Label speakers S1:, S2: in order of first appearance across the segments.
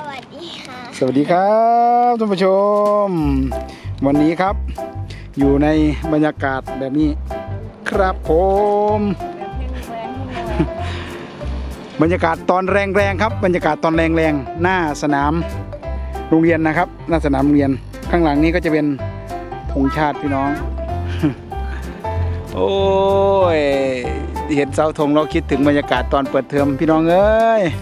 S1: วัสดีค่ะ
S2: สวัสดีครับท่านผู้ชมวันนี้ครับอยู่ในบรรยากาศแบบนี้ครับผมบรรยากาศตอนแรงๆครับบรรยากาศตอนแรงๆหน้าสนามโรงเรียนนะครับหน้าสนามโรงเรียนข้างหลังนี้ก็จะเป็นธงชาติพี่น้อง โอ้ยเห็นเสาธงเราคิดถึงบรรยากาศตอนเปิดเทอมพี่น้องเอ้ย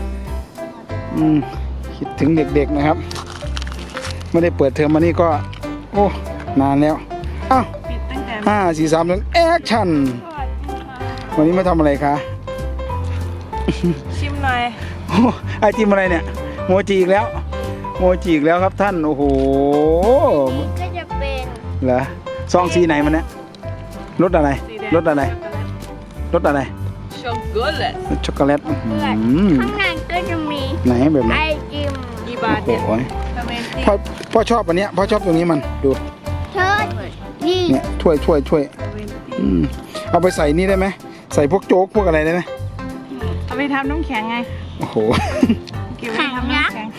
S2: คิดถึงเด็กๆนะครับไม่ได้เปิดเทอมมานี่ก็โอ้นานแล้วอ้าว5 4 3 1แอคชั่นวันนี้มาทำอะไรคะ
S3: ชิมหน่อย
S2: โอ้ไอจิมอะไรเนี่ยโมจิอีกแล้วโมจิอีกแล้วครับท่านโอ้โห
S1: ก็จะเป็น
S2: เหรอซองสีไหนมันเนี่ยรสอะไรรสอะไรรสอะไร
S3: ช็อกโกแลต
S2: รสช็อกโกแลต
S1: ข้างในก็จะมี
S2: ไหนแบบไหน
S1: ไอติม
S3: กี่บาท
S2: โอ้
S3: เนี่ย
S2: โห
S3: ทำไมติ
S2: พ่อชอบอันเนี้ยพ่อชอบตรงนี้มันดู
S1: เชิดนี่
S2: เนี่ยถ้วยเอาไปใส่นี่ได้ไหมใส่พวกโจ๊กพวกอะไรได้ไหม
S3: เอาไปทำน้ำแข็งไง
S2: โอ้โห
S3: เก็บไว้ทำน้ำแข็ง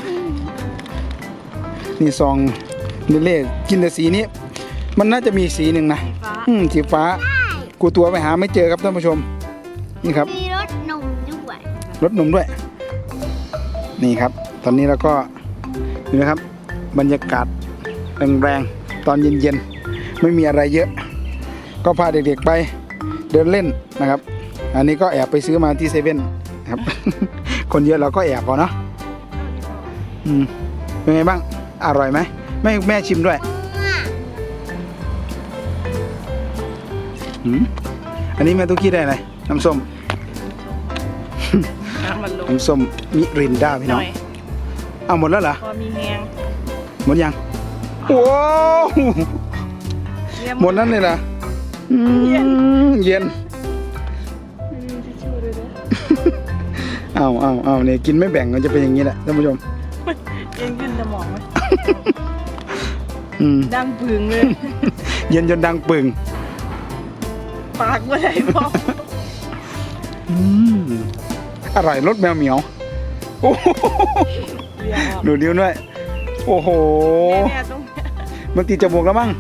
S2: นี่ซองเล่ๆกินแต่สีนี้มันน่าจะมีสีหนึ่งนะ
S3: ฟ้า
S2: สีฟ้ากูตัวไปหาไม่เจอครับท่านผู้ชมนี่ครับ
S1: มีรสนมด้วย
S2: รสนมด้วย นี่ครับ ตอนนี้เราก็นี่นะครับ บรรยากาศแรงๆตอนเย็นๆไม่มีอะไรเยอะ ก็พาเด็กๆไปเดินเล่นนะครับ อันนี้ก็แอบไปซื้อมาที่เซเว่นนะครับ คนเยอะเราก็แอบพอเนาะเป็นไงบ้างอร่อยไหมแม่ชิมด้วยอันนี้แม่ตุ๊กกี้ได้อะไรน้ำส้ม
S3: น้ำมันลง
S2: น้ำส้มมิรินดาพี่
S3: ห
S2: น้
S3: น่
S2: อง
S3: อย
S2: เอาหมดแล้วเหรอ
S3: พอมีแหง
S2: หมดยังว้าวหมดนั้นเลยเหรอเย็นเอาเนี่ยกินไม่แบ่งมันจะเป็นอย่างนี้แหละท่านผู้ชม
S3: เย็นขึ้นสมองไหม
S2: อืม
S3: ดังปึงเลย
S2: เย็นจนดังปึ่ง
S3: ปากว่าไรพอ
S2: อร่อยรสแมวเหมียวโอ้โห
S3: เรียกออก
S2: ดูดิ้วด้วยโอ้โห
S3: เนี่ยตรง
S2: มันติดจมูกแล้วมั้ง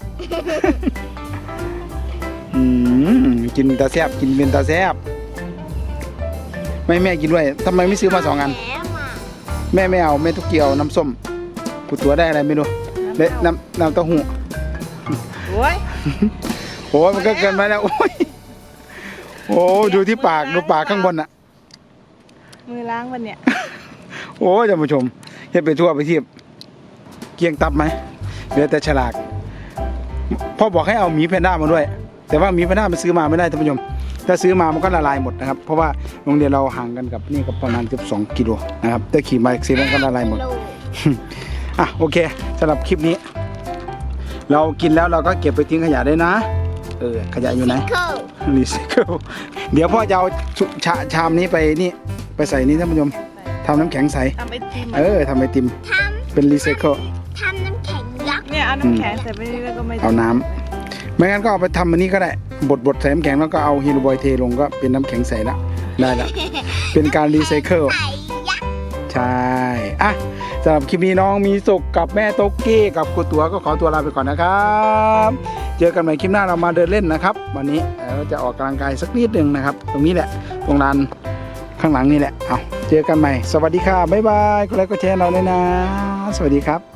S2: กินตาแซบกินเป็นตาแซบไม่แม่กินด้วยทำไมไม่ซื้อมา2 อัน
S1: แล้วอ่ะ
S2: แม่ไม่เอาแม่ทุกเกียวน้ำส้มกูตัวได้อะไรไม่รู้เละน้ำเต้าหู้
S3: โอ้ย
S2: โอ้ยมันก็เกินไปแล้วโอ้ยโอ้ดูที่ปากดูปากข้างบนอ่ะ
S3: มือล้างวันเนี่ย
S2: โอ้ยท่านผู้ชมเฮ็ดไปทั่วไปทีบเกียงตับไหมเหลือแต่ฉลากพ่อบอกให้เอาหมีแพนด้ามาด้วย แต่ว่าหมีแพนด้ามันซื้อมาไม่ได้ท่านผู้ชมถ้าซื้อมามันก็ละลายหมดนะครับเพราะว่าโรงเรียนเราห่างกันกับนี่ก็ประมาณเกือบ2 กิโลนะครับแต่ขี่มาซีนั้นก็ละลายหมด อ่ะโอเคสำหรับคลิปนี้ เรากินแล้วเราก็เก็บไปทิ้งขยะได้นะขยะอยู่ไหน
S1: เข้า
S2: รีไซเคิลเดี๋ยวพ่อจะเอาชามนี้ไปนี่ไปใส่นี่ท่านผู้ชมทำน้ำแข็งใส
S3: ทำไอติม
S2: ทำไอติม
S1: ท
S2: เป็นรีไซเคิล
S1: ทำน้ำแข็งยักษ์
S3: เนี่ยเอาน้ำแข็งใส่ไปนี่แล้วก็ไม่
S2: เอาน้ำไม่งั้นก็เอาไปทำอันนี้ก็ได้บดใส่น้ำแข็งแล้วก็เอาฮีโรบอยเทลงก็เป็นน้ำแข็งใสละได้ละเป็นการรีไซเคิล
S1: ไข่ยักษ์
S2: ใช่อ่ะสำหรับคลิปนี้น้องมีสุขกับแม่โต๊กกี้กับครูตัวก็ขอตัวลาไปก่อนนะครับเจอกันใหม่คลิปหน้าเรามาเดินเล่นนะครับวันนี้เราจะออกกำลังกายสักนิดหนึ่งนะครับตรงนี้แหละตรงลานข้างหลังนี่แหละเอาเจอกันใหม่สวัสดีค่ะบ๊ายบายกดไลค์กดแชร์เราเลยนะสวัสดีครับ